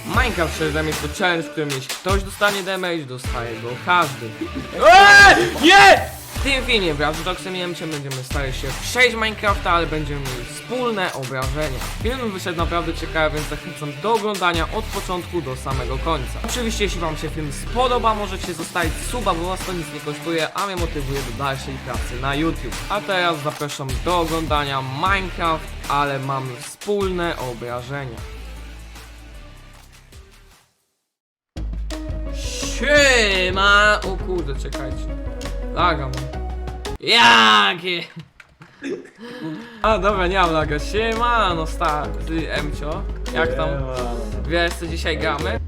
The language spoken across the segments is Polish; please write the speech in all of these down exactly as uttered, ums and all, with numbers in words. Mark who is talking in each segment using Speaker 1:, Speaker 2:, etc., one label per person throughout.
Speaker 1: Minecraft Shredem jest to challenge, w którym jeśli ktoś dostanie damage, dostaje go każdy. Eee, nie! W tym filmie wraz z Doxem i Emciem będziemy starali się przejść Minecrafta, ale będziemy mieli wspólne obrażenia. Film wyszedł naprawdę ciekawy, więc zachęcam do oglądania od początku do samego końca. Oczywiście jeśli wam się film spodoba, możecie zostawić suba, bo was to nic nie kosztuje, a mnie motywuje do dalszej pracy na YouTube. A teraz zapraszam do oglądania Minecraft, ale mamy wspólne obrażenia. Siema! O kurde, czekajcie. Laga mam. Jakie? A dobra, nie mam laga. Siema, no stary, ty Emcio. Jak tam? Wiesz co dzisiaj gramy?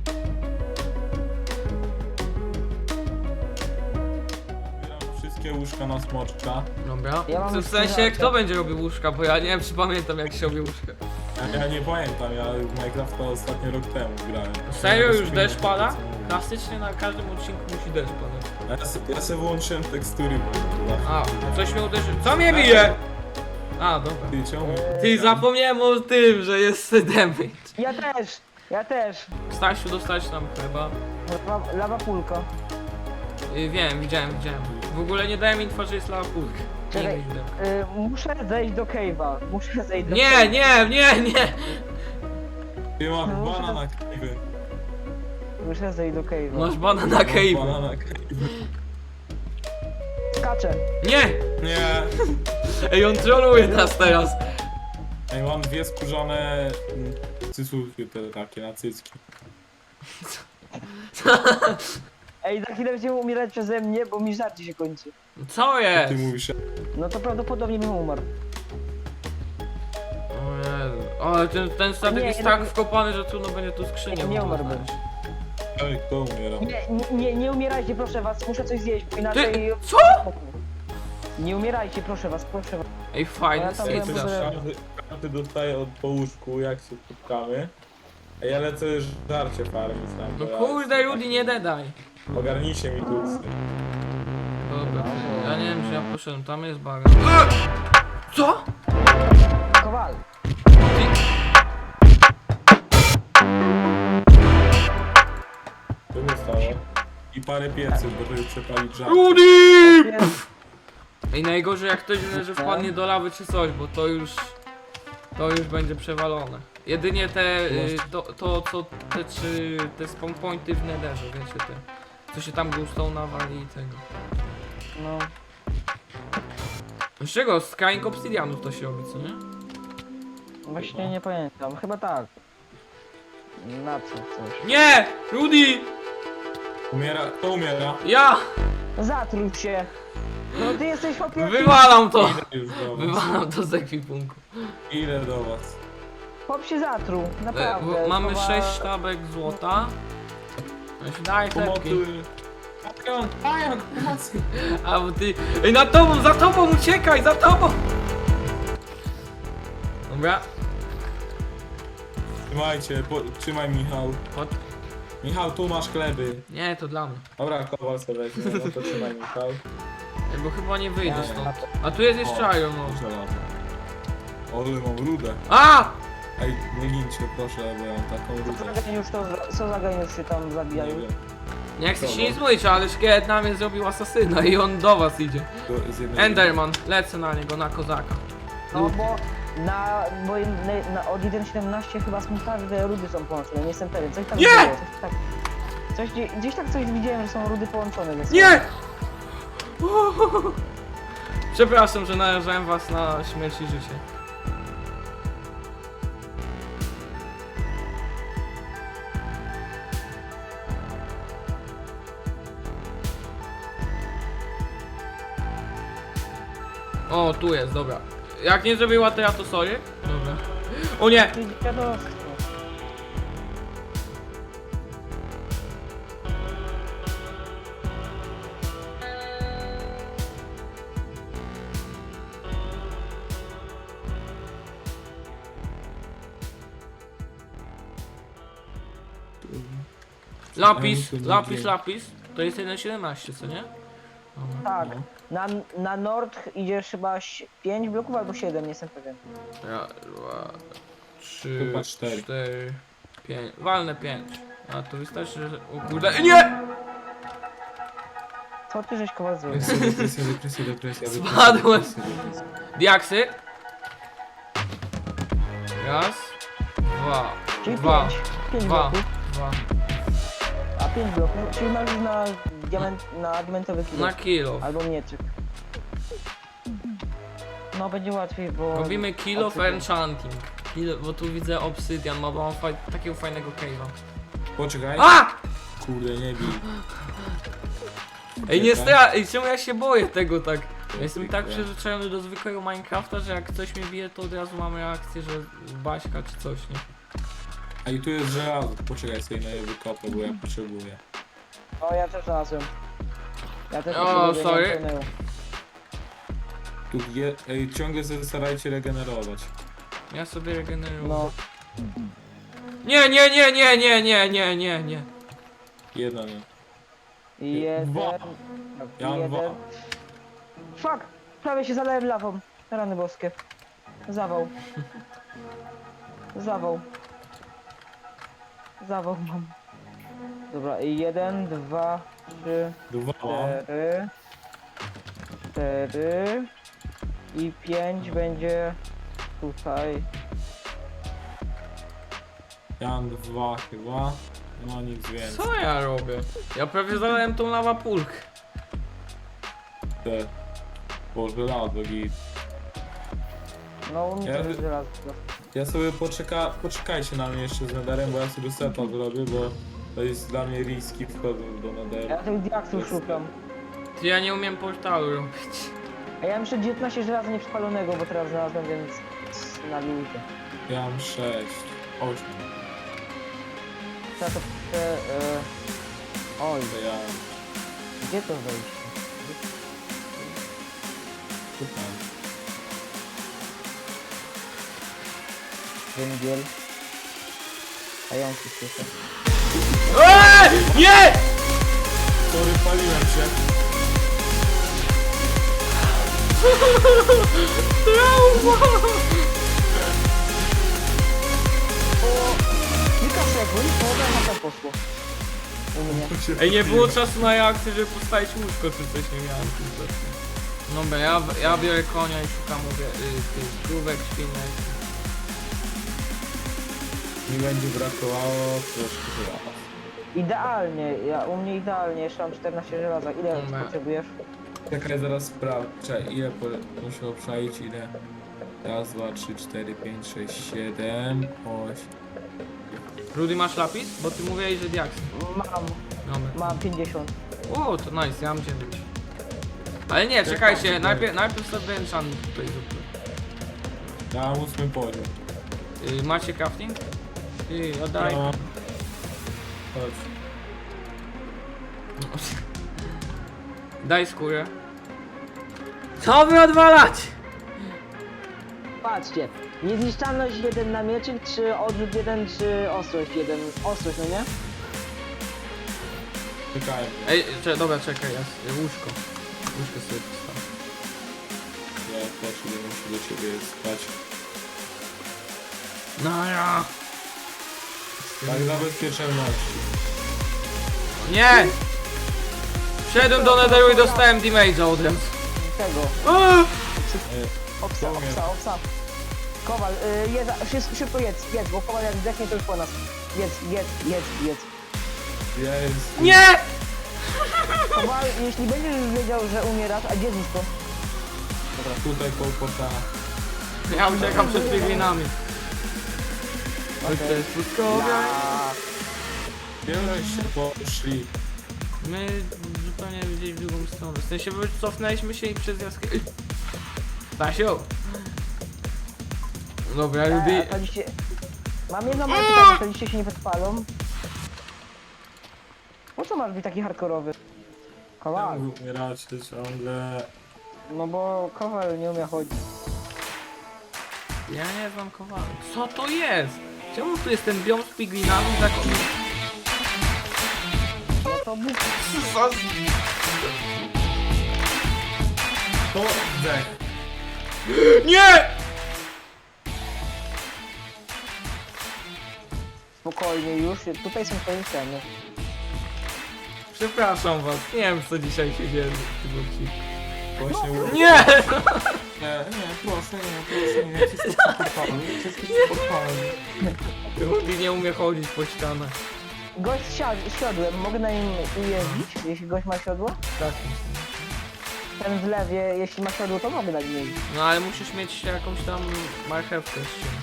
Speaker 2: Wszystkie łóżka na smoczka.
Speaker 1: Dobra.
Speaker 3: Ja mam
Speaker 1: W
Speaker 3: już
Speaker 1: sensie,
Speaker 3: trzy
Speaker 1: kto
Speaker 3: lata.
Speaker 1: będzie robił łóżka, bo ja nie wiem, czy pamiętam jak się robi łóżka.
Speaker 2: Ja, ja nie pamiętam, ja w Minecrafta ostatni rok temu grałem.
Speaker 1: Serio?
Speaker 2: Ja
Speaker 1: Już
Speaker 2: bez
Speaker 1: deszcz
Speaker 2: filmu,
Speaker 1: pada?
Speaker 2: co mówię.
Speaker 1: Klasycznie na każdym odcinku musi deszcz padać.
Speaker 2: Ja, se, ja se wyłączyłem tekstury.
Speaker 1: A, coś mnie uderzy. Co mnie bije? A, dobra.
Speaker 2: Ty czemu?
Speaker 1: Ty, zapomniałem o tym, że jest damage.
Speaker 3: Ja też, ja też.
Speaker 1: Stasiu, dostać nam chleba.
Speaker 3: Lawa, lawa pulka.
Speaker 1: Y, wiem, widziałem, widziałem. W ogóle nie dałem info, że jest lava pulk. Nie
Speaker 3: Czekaj,
Speaker 1: widziałem.
Speaker 3: y, muszę zejść do cave'a. Muszę zejść do
Speaker 1: Nie,
Speaker 3: cave'a.
Speaker 1: nie, nie, nie!
Speaker 2: Ty mam
Speaker 3: No,
Speaker 2: bana
Speaker 3: że-
Speaker 2: na kajwy.
Speaker 3: Muszę zejść do cave'a.
Speaker 1: Masz bana na
Speaker 2: Mam
Speaker 1: cave.
Speaker 2: bana na kajwy.
Speaker 3: Skaczę.
Speaker 1: Nie!
Speaker 2: Nie!
Speaker 1: Ej, on troluje nas teraz.
Speaker 2: Ej, mam dwie skórzane mm, cycówki te takie na cycki.
Speaker 3: Ej, za chwilę będziemy umierać przeze mnie, bo mi żarcie się kończy.
Speaker 1: Co
Speaker 2: Ty
Speaker 1: jest?
Speaker 2: mówisz,
Speaker 3: No to prawdopodobnie bym umarł.
Speaker 1: O Jezu. Ale ten, ten statek
Speaker 3: Nie,
Speaker 1: jest
Speaker 3: nie,
Speaker 1: tak
Speaker 3: nie.
Speaker 1: wkopany, że trudno będzie tu skrzynię.
Speaker 3: Nie
Speaker 1: w ogóle
Speaker 3: umarłbym.
Speaker 1: znaleźć.
Speaker 2: ej, kto umiera?
Speaker 3: Nie, nie, nie, nie umierajcie, proszę was, muszę coś zjeść, bo inaczej...
Speaker 1: Ty, co?
Speaker 3: Nie umierajcie, proszę was, proszę was.
Speaker 1: Ej, fajny
Speaker 3: Ja tam
Speaker 2: Ej,
Speaker 3: byłem
Speaker 2: coś
Speaker 1: sejf.
Speaker 3: może-
Speaker 2: każdy, każdy dostaje od po łóżku, jak się spotkamy. Ej, ja lecę już żarcie farmić tam.
Speaker 1: No
Speaker 2: bo ja-
Speaker 1: kurde, Rudy, nie dedaj.
Speaker 2: Ogarnijcie mi tuksy.
Speaker 1: Dobra, ty, ja nie wiem, czy ja poszedłem, tam jest baga. Co?
Speaker 3: Kowal.
Speaker 2: Co się stało? I parę pieców, bo żeby przepalić żarcie.
Speaker 1: Rudy!
Speaker 3: Jest.
Speaker 1: Ej, najgorzej jak ktoś że wpadnie do lawy czy coś, bo to już... To już będzie przewalone. Jedynie te, y, to, to co, te trzy, te spawn pointy w netherze, wiecie te. Co się tam gustą nawali i tego.
Speaker 3: No.
Speaker 1: Z czego? Z kraink obsydianów to się robi, co nie?
Speaker 3: Właśnie nie pamiętam, chyba tak. Na co coś?
Speaker 1: Nie! Rudy!
Speaker 2: Umiera, kto umiera?
Speaker 1: Ja!
Speaker 3: Zatruł się. No ty jesteś chłopie...
Speaker 1: Wywalam to!
Speaker 2: Idę już do was.
Speaker 1: Wywalam to z ekwipunku.
Speaker 2: Idę do was.
Speaker 3: Chłop się zatruł,
Speaker 1: E,
Speaker 3: naprawdę.
Speaker 1: bo mamy
Speaker 3: Chowa-
Speaker 1: sześć sztabek złota. Weź daj tepki.
Speaker 2: Pomocy. Patron, pająk, pomocy.
Speaker 1: A bo ty... Ej, na tobą, za tobą, uciekaj, za tobą! Dobra.
Speaker 2: Trzymajcie, po, trzymaj Michał.
Speaker 1: Chodź.
Speaker 2: Michał, tu masz chleby.
Speaker 1: Nie, to dla mnie.
Speaker 2: Dobra, kowal sobie weźmie, no to trzymaj Michał.
Speaker 1: Ej, bo chyba nie wyjdę
Speaker 2: Nie,
Speaker 1: stąd. A tu jest jeszcze
Speaker 2: O,
Speaker 1: iron, no.
Speaker 2: Żelazo. Ale mam rudę.
Speaker 1: A!
Speaker 2: Ej, nie gincie proszę, bo ja mam taką
Speaker 3: Co
Speaker 2: rudę.
Speaker 3: za geniusz to, co za geniusz się tam
Speaker 2: Nie
Speaker 3: zabijają?
Speaker 2: wiem.
Speaker 1: Nie chcę się
Speaker 2: Dobra.
Speaker 1: nic mówić, ale szkielet na mnie zrobił asasyna i on do was idzie.
Speaker 2: Do- z jednej-
Speaker 1: Enderman, lecę na niego, na kozaka.
Speaker 3: No bo na, bo na, na, od jeden siedemnaście chyba są każde rudy są połączone, nie jestem pewien. Coś tam
Speaker 1: Nie!
Speaker 3: było, coś tak. Coś, gdzie- gdzieś tak coś widziałem, że są rudy połączone ze sobą.
Speaker 1: Nie! Przepraszam, że narażałem was na śmierć i życie. O, tu jest, dobra. Jak nie zrobiła to ja to sorry. Dobra. O nie!
Speaker 3: Dziadostwo.
Speaker 1: Lapis,
Speaker 2: Ja nie
Speaker 1: lapis,
Speaker 2: wiem.
Speaker 1: lapis. To jest jeden siedemnaście, co nie? Dobra.
Speaker 3: Tak,
Speaker 2: No.
Speaker 3: na, na nord idziesz chyba pięć bloków albo siedem, nie jestem pewien.
Speaker 1: Raz, dwa, trzy,
Speaker 2: Chyba cztery.
Speaker 1: cztery, Pięć. Walne pięć. A to wystarczy, że... O kurde... Nie!
Speaker 3: Co ty żeś Kowal zrobił?
Speaker 2: Depresja, depresja, depresja, depresja.
Speaker 1: Spadłem.
Speaker 2: depresja, depresja.
Speaker 1: Diaksy. Raz. Dwa.
Speaker 3: Czyli
Speaker 1: Dwa.
Speaker 3: pięć. Pięć
Speaker 1: Dwa.
Speaker 3: bloków.
Speaker 1: Dwa.
Speaker 3: A pięć bloków, czyli masz już na, diament, na diamentowy kilo.
Speaker 1: Na kilo.
Speaker 3: Albo mieczyk. No będzie łatwiej, bo...
Speaker 1: Robimy kill of
Speaker 3: obsydian.
Speaker 1: enchanting. Kill, bo tu widzę obsydian, ma mam faj, takiego fajnego cave'a.
Speaker 2: Poczekaj.
Speaker 1: A!
Speaker 2: Kurde, nie bij.
Speaker 1: Ej, nie stra... Ej, czemu ja się boję tego tak? Ja jestem
Speaker 2: Zwykle.
Speaker 1: tak przyzwyczajony do zwykłego Minecrafta, że jak coś mnie bije, to od razu mam reakcję, że baśka czy coś, nie?
Speaker 2: A i tu jest żelazo. Poczekaj sobie na je wykopę, bo ja potrzebuję.
Speaker 3: O, ja też znalazłem. Ja też
Speaker 1: O,
Speaker 3: potrzebuję,
Speaker 1: sorry.
Speaker 3: nie płynęło.
Speaker 2: Tu je... Ej, ciągle sobie starajcie regenerować.
Speaker 1: Ja sobie regeneruję.
Speaker 3: No,
Speaker 1: Nie, nie, nie, nie, nie, nie, nie, nie, nie.
Speaker 2: Jeden.
Speaker 3: i jeden...
Speaker 2: Dwa. Ja mam dwa.
Speaker 3: jeden... Fuck! Prawie się zalałem lawą. Rany boskie. Zawał. Zawał. Zawał mam. Dobra, i jeden, dwa, trzy,
Speaker 2: Dwa.
Speaker 3: cztery, cztery i pięć będzie tutaj.
Speaker 2: Ja mam dwa chyba. No nic więcej.
Speaker 1: Co ja robię? Ja prawie zalałem tą lawapulkę.
Speaker 2: Te. O, żelazo git.
Speaker 3: No u mnie
Speaker 2: Ja-
Speaker 3: to jest żelazo.
Speaker 2: Ja sobie poczeka... Poczekajcie na mnie jeszcze z Netherem, bo ja sobie seta zrobię, bo to jest dla mnie riski wchodzą do Netheru.
Speaker 3: Ja tych diaksów szukam.
Speaker 1: Ty, ja nie umiem portalu robić.
Speaker 3: A ja mam jeszcze dziewiętnaście żelaza nieprzepalonego, bo teraz znalazłem, więc na luzie.
Speaker 2: Ja mam sześć. osiem.
Speaker 3: Trzeba to prze... E... Oj,
Speaker 2: To ja...
Speaker 3: gdzie to wejść?
Speaker 2: Tutaj.
Speaker 3: Węgiel. Pająki słyszę.
Speaker 1: Eee! Nie!
Speaker 2: Sorry, paliłem się.
Speaker 1: Trauma!
Speaker 3: O! Kilka sekund, połowa na to poszło. U mnie.
Speaker 1: Ej, nie było czasu na reakcję, żeby postawić łóżko czy coś, nie miałem kompletnie. Dobra, ja, ja biorę konia i szukam mówię, y, tych krówek, świnek.
Speaker 2: Mi będzie brakowało troszkę żelaza.
Speaker 3: Idealnie, ja, u mnie idealnie, jeszcze mam czternaście żelaza. Ile
Speaker 1: Dobra.
Speaker 3: potrzebujesz?
Speaker 2: Czekaj, zaraz sprawdzę. Ile po... muszę obszaić, ile? Raz, dwa, trzy, cztery, pięć, sześć, siedem, osiem.
Speaker 1: Rudy, masz lapis? Bo ty mówiłeś, że diaks.
Speaker 3: Mam,
Speaker 1: Dobra.
Speaker 3: mam pięćdziesiąt.
Speaker 1: O, to nice, ja mam dziewięć. Ale nie, czekajcie, najpierw, najpierw sobie enchantment tutaj zróbmy.
Speaker 2: Ja mam ósmy poziom.
Speaker 1: Y, macie crafting? Ty, oddaj.
Speaker 2: No. Chodź.
Speaker 1: Daj skórę. Co wy odwalać?
Speaker 3: Patrzcie, niezniszczalność jeden na mieczyk, czy odrzut jeden, czy ostrość jeden. Ostrość, no nie?
Speaker 2: Czekaj.
Speaker 1: Ej, cze, dobra, czekaj, ja, s- łóżko. Łóżko sobie postawię.
Speaker 2: Ja też idę, muszę do ciebie spać.
Speaker 1: No ja.
Speaker 2: Tak dla bezpieczeństwa.
Speaker 1: Nie! Wszedłem do Netheru i dostałem damage'a od razu.
Speaker 3: Tego.
Speaker 1: Eee!
Speaker 3: Obsa,
Speaker 2: Powiem.
Speaker 3: obsa, obsa. Kowal, y, jedz, szybko, szybko jedz, jedz, bo Kowal jak zdechnie to już po nas. Jedz, jedz, jedz, jedz.
Speaker 2: Jest.
Speaker 1: Nie!
Speaker 3: Kowal, jeśli będziesz już wiedział, że umierasz, a gdzie jest to?
Speaker 2: Dobra, tutaj kołpota.
Speaker 1: Ja uciekam przed piglinami. Ale to
Speaker 3: Okej.
Speaker 1: jest pustkowia.
Speaker 3: Ja.
Speaker 2: Wiele się poszli.
Speaker 1: My zupełnie gdzieś w drugą stronę. W sensie wycofnęliśmy się i przez jaskinię. Stasiu! Dobra,
Speaker 3: E,
Speaker 1: Rudy.
Speaker 3: a to dzisiaj... Mam jedno małe pytanie, to dzisiaj się nie podpalą? Po co masz być taki hardkorowy? Kowal,
Speaker 2: Umieracie ciągle.
Speaker 3: no bo Kowal nie umie chodzić.
Speaker 1: Ja nie znam kowala. Co to jest? Czemu tu jest ten biom z piglinami taki...
Speaker 3: No to Bóg.
Speaker 2: To zdech.
Speaker 1: Nie!
Speaker 3: spokojnie już, tutaj są twoje ceny.
Speaker 1: Przepraszam was, nie wiem co dzisiaj się dzieje w tym odcinku.
Speaker 2: Właśnie no.
Speaker 1: Nie!
Speaker 2: Nie, nie, proszę, nie, proszę, nie, wszystko spokojnie, wszystko spokojnie.
Speaker 1: Rudy nie umie chodzić po ścianach.
Speaker 3: Gość z siad- siodłem, mogę na nim jeździć, jeśli gość ma siodło?
Speaker 1: Tak.
Speaker 3: Ten w lewie, jeśli ma siodło, to mogę na nim jeździć.
Speaker 1: No ale musisz mieć jakąś tam marchewkę z czymś.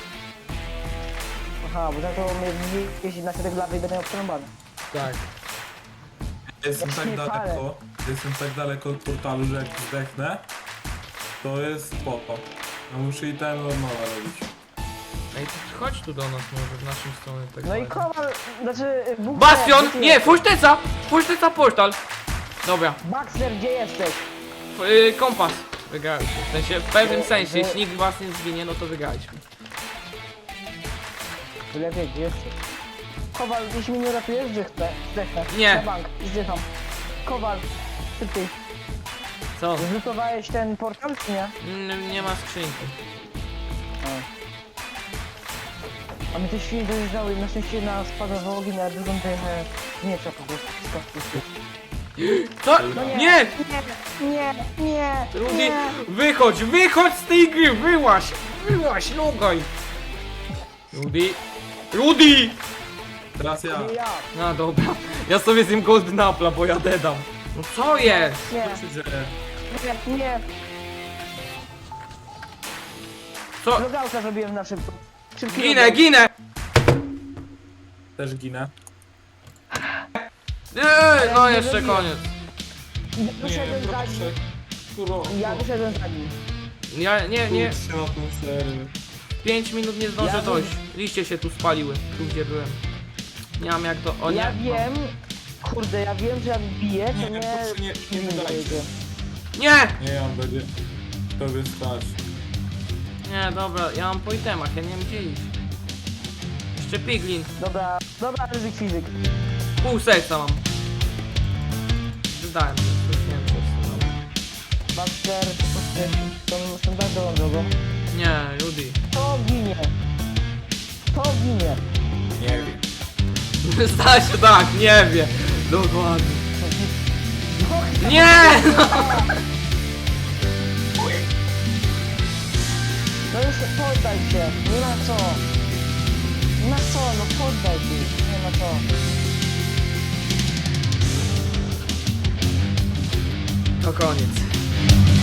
Speaker 3: Aha, bo za to mnie jeździ na środek lawy i będę miał przerąbane.
Speaker 1: Tak.
Speaker 2: Jestem
Speaker 3: Jak
Speaker 2: tak
Speaker 3: nie
Speaker 2: daleko, jestem tak daleko od portalu, że jak zdechnę, to jest spoko. A muszę i ten od nowa robić.
Speaker 1: Ej, to chodź tu do nas może, w naszą stronę. Tak
Speaker 3: No i
Speaker 1: bardziej.
Speaker 3: kowal, znaczy... Bóg
Speaker 1: Bastion!
Speaker 3: wie, gdzie ty
Speaker 1: Nie,
Speaker 3: jesteś?
Speaker 1: fusztyca! Fusztyca portal! Dobra,
Speaker 3: Baxter, gdzie jesteś?
Speaker 1: F- y, kompas. Wygraliśmy. W sensie, w pewnym
Speaker 3: Wy-
Speaker 1: sensie,
Speaker 3: wy-
Speaker 1: jeśli nikt was nie zginie, no to wygraliśmy.
Speaker 3: Tyle wie, gdzie jesteś. Kowal, jeśli mnie nie ratujesz, zdechnę. Zdechnę.
Speaker 1: Nie.
Speaker 3: Na bank, zdycham. Kowal, szybciej.
Speaker 1: Co?
Speaker 3: Zlutowałeś ten portal, czy nie?
Speaker 1: Mm, nie ma skrzynki.
Speaker 3: A. A my te świnie dojeżdżały i na szczęście na spada w ogień, a drugą dojechałem miecza po prostu. z kapusty.
Speaker 1: Co?
Speaker 3: No nie.
Speaker 1: Nie!
Speaker 3: Nie, nie, nie,
Speaker 1: Rudy,
Speaker 3: nie.
Speaker 1: wychodź, wychodź z tej gry, wyłaś! Wyłaś, logaj! Rudy! Rudy!
Speaker 2: Teraz ja.
Speaker 3: Nie ja.
Speaker 1: No dobra, ja sobie zjem Golden Apple'a, bo ja dedam. No co jest?
Speaker 3: Nie,
Speaker 2: Co się dzieje?
Speaker 3: nie, nie.
Speaker 1: Co?
Speaker 3: Logauta zrobiłem na szybko. Szybki
Speaker 1: Ginę,
Speaker 3: logout.
Speaker 1: ginę!
Speaker 2: Też ginę.
Speaker 1: Eee, no
Speaker 3: nie
Speaker 1: jeszcze
Speaker 3: zabiję.
Speaker 1: koniec.
Speaker 3: Wyszedłem za nim.
Speaker 2: proszę. Kuro,
Speaker 3: Ja wyszedłem za nim.
Speaker 1: Ja nie, nie,
Speaker 2: Kurczę na tą serię.
Speaker 1: pięć minut nie zdążę
Speaker 3: Ja
Speaker 1: dojść. Liście się tu spaliły, tu gdzie byłem. Nie mam jak to, o nie.
Speaker 3: Ja wiem, kurde, ja wiem, że jak biję, to
Speaker 2: Nie,
Speaker 3: nie...
Speaker 2: proszę, nie, nie wydajcie.
Speaker 3: wyjdzie.
Speaker 1: Nie!
Speaker 2: Nie, on będzie tobie stać.
Speaker 1: Nie, dobra, ja mam po itemach, ja nie wiem gdzie iść. Jeszcze piglin,
Speaker 3: Dobra, dobra, ryzyk fizyk.
Speaker 1: pół serca mam. Wydałem się, już nie wiem co jest. Dobra.
Speaker 3: Baxter, tą standardową drogą.
Speaker 1: Nie, Rudy.
Speaker 3: To ginie. To ginie.
Speaker 2: Nie wiem.
Speaker 1: Zda się tak, nie wie. Dokładnie.
Speaker 3: No,
Speaker 1: Nie!
Speaker 3: no już poddaj się, nie ma co. Nie ma co, no poddaj się, nie ma co.
Speaker 1: To koniec.